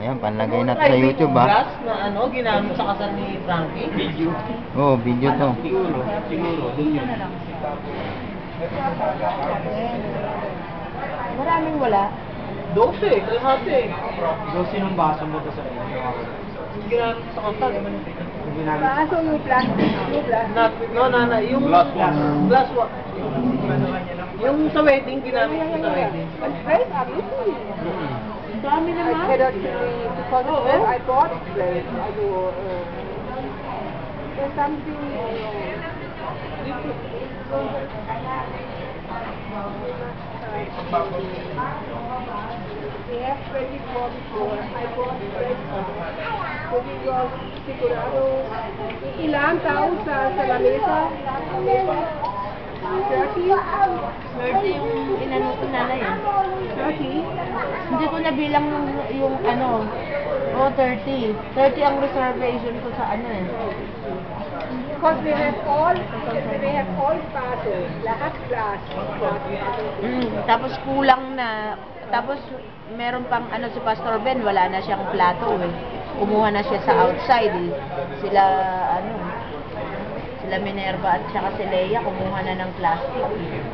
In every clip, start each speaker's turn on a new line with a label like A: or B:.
A: Ayan, panlagay natin sa YouTube ha.
B: Glass na ano, ginamit sa kasal ni Frankie. Video.
A: Oo, video to.
B: Siguro, dun yun.
C: Maraming wala.
B: 12, kalahati.
D: 12 ng baso mo to sa
B: Ginamit sa kasal.
C: Baso yung plastic. Yung plastic.
B: Yung glass one. Glass one. Yung sa wedding, ginamit ko sa wedding.
C: But very obviously.
B: Dami
C: I cannot really, because I bought place. I do, there's something, we have 24 before. I bought place. Pwede yung sigurado. Ilan tao sa lamesa? 30?
E: 30 yung inano ko nanay eh.
C: 30?
E: Hindi ko nabilang yung ano, 30. 30 ang reservation ko sa ano eh.
C: Because we have all basos, lahat glass.
E: Tapos kulang na, tapos meron pang ano si Pastor Ben, wala na siyang plato eh. Kumuha na siya sa outside eh. Sila Minerva at saka si Leia, kumuha na ng plastic.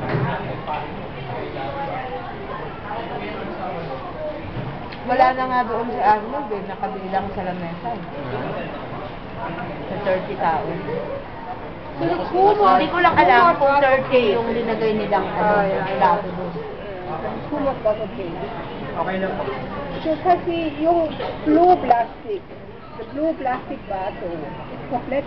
E: Wala na nga doon si Arnold eh, nakabilang sa lamesa eh. Sa 30 tao. Hindi ko lang alam kung 30 yung linagay nilang plato doon.
C: Kumot ba okay?
D: Okay lang po.
C: So kasi yung blue plastic, the blue plastic baso, is complete.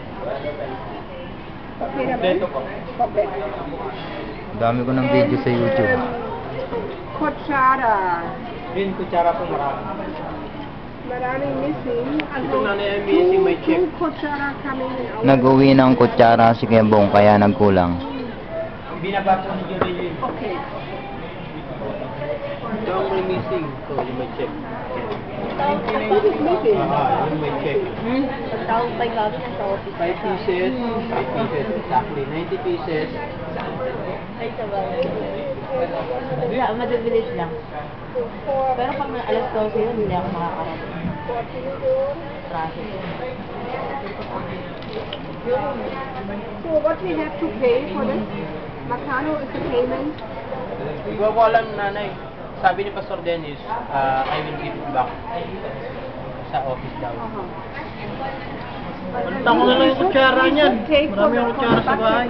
C: Okay naman? Complete.
A: Dami ko ng video sa YouTube.
C: Kutsara.
D: Yun, kutsara po marami.
C: Maraming missing.
B: Ito na yung missing, may check.
C: Two kutsara coming out.
A: Nag-uwi ng kutsara si Kebong kaya nagkulang.
D: Binabato ni Julie yun.
C: Okay.
B: Ito ang may missing. So, yung may check.
C: What is missing?
B: Yung may check.
E: Ang tawag pa gabi ng sa office.
B: 5 pieces. 5 pieces, exactly. 90 pieces.
E: Ay, sabay. Wala, madabilis lang.
C: So, for
E: Pero pag alas 12 yun, hindi ako makakarating.
C: 14.
E: Traffic.
C: So what we have to pay for this? Macano is the payment.
B: Hindi ko alam, nanay. Sabi ni Pastor Dennis, I will give it back sa office daw. Balitan ko na lang yung kutsara niyan. Marami yung kutsara sa bahay.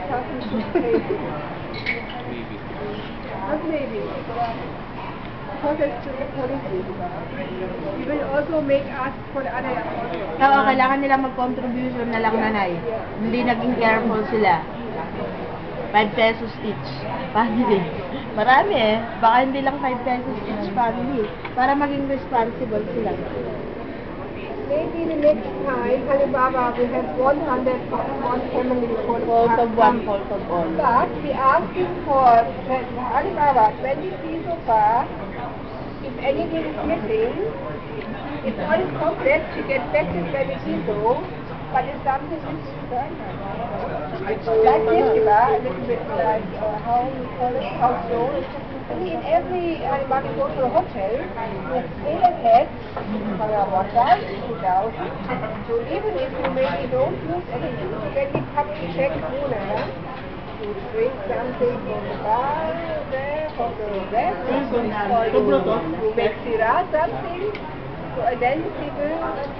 C: Not maybe. Because it's the policy. We will also make us for the other.
E: Oo, kailangan nila mag-contribution na lang nanay. Hindi naging careful sila. 5 pesos each. Family. Marami eh. Baka hindi lang 5 pesos each family. Para maging responsible sila.
C: Maybe the next time, Alibaba, we have 100 one family for
E: Fault of one, fault of all.
C: But we asking for Alibaba 20 pesos per. If anything is missing, if all is complete, she get back the 20 pesos. But if something is it's like this, a little bit like how you call it, house loan. In every Alibaba go to a hotel, you stay ahead for a water, 2,000. So even if you maybe don't use anything, then you come to check to drink something from the bar there, from the restaurant, or you make sirah something. So then people,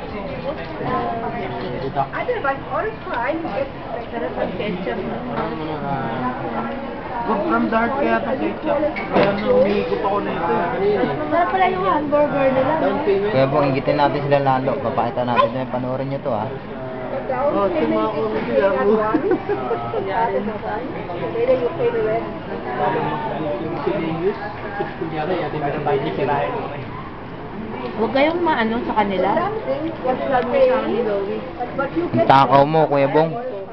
C: otherwise all fine, you get ketchup.
B: Good from the heart kaya ito ketchup. Kaya umiikot ako na ito.
E: Para pala yung hamburger nila.
B: Down payment.
A: Kebong, ingitin natin sila lalo. Papakita natin na panoorin nyo to ha.
B: Oh, tumako na sila ako.
C: Later you pay the rest.
B: Yung sinayos, kunyari, yan yung binabay niya sirahin.
E: Huwag kayong maano sa kanila.
C: Something, what you are paying, but you
A: Ang
C: get
A: takaw mo, Kuya Bong.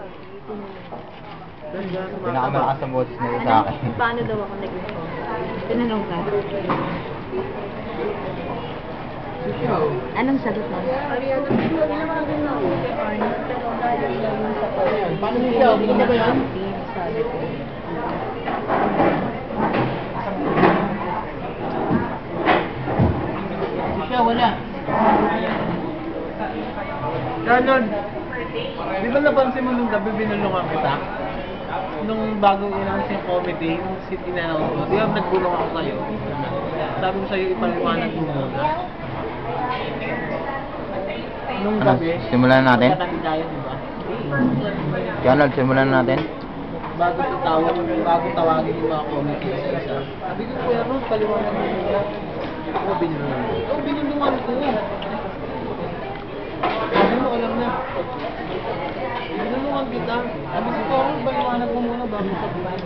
B: Ganda sa mga
A: Pinakamalakas ang boses nito sa akin.
E: Paano daw ako nag-inform? Tinanong ka. Anong sagot mo?
B: Paano niya? Hindi na ba yan?
E: Sabi ko.
B: Siya, wala. Ganon. Di ba napansin mo nung gabi binulungan kita? Nung bagong in-announce yung comedy, yung city na ako, di ba nagbulong ako sa'yo? Sabi ko sa'yo, ipaliwanag mo muna. Nung
A: Ano,
B: gabi,
A: simulan na natin?
B: katabi tayo, di ba?
A: Ronald, simulan na natin.
B: Bago tawagin yung mga comedy sa isa. Sabi ko, Kuya Ron, paliwanag mo muna. Ako binulungan. Oo, binulungan ko. Sabi mo, alam na. Binulungan kita. Sabi ko, Ron, paliwanag mo muna bago sabihin.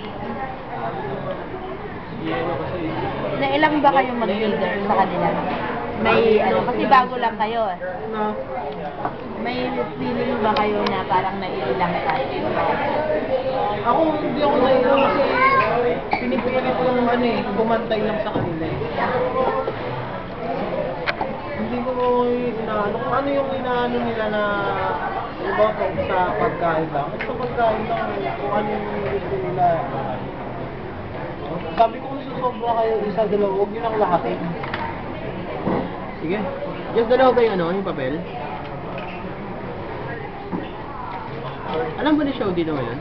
B: Yero kasi.
E: Nailang ba kayong mag-leader sa kanila? May ano, kasi bago lang kayo eh.
B: Na,
E: May feeling ba kayo na parang naiilang tayo?
B: ako, hindi ako nailang kasi pinipilit kong ano eh, kumantay lang sa kanila eh. Hindi ko inaano, kung ano yung inaano nila na iba kung sa pagkain lang. Sa pagkain lang, kung ano yung gusto nila. Sabi ko kung susobra kayo, isa, dalawa, huwag yun ang lahatin. Sige. Just dalawa ba yung ano, yung papel? Alam ba ni Shodi na ngayon?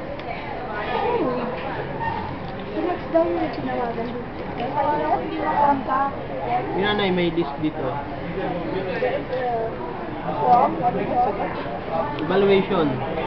C: So next daw yung tinawagan dito. Kaya hindi mo contact.
B: Yung nanay may list dito.
C: Form, what is it?
B: Evaluation.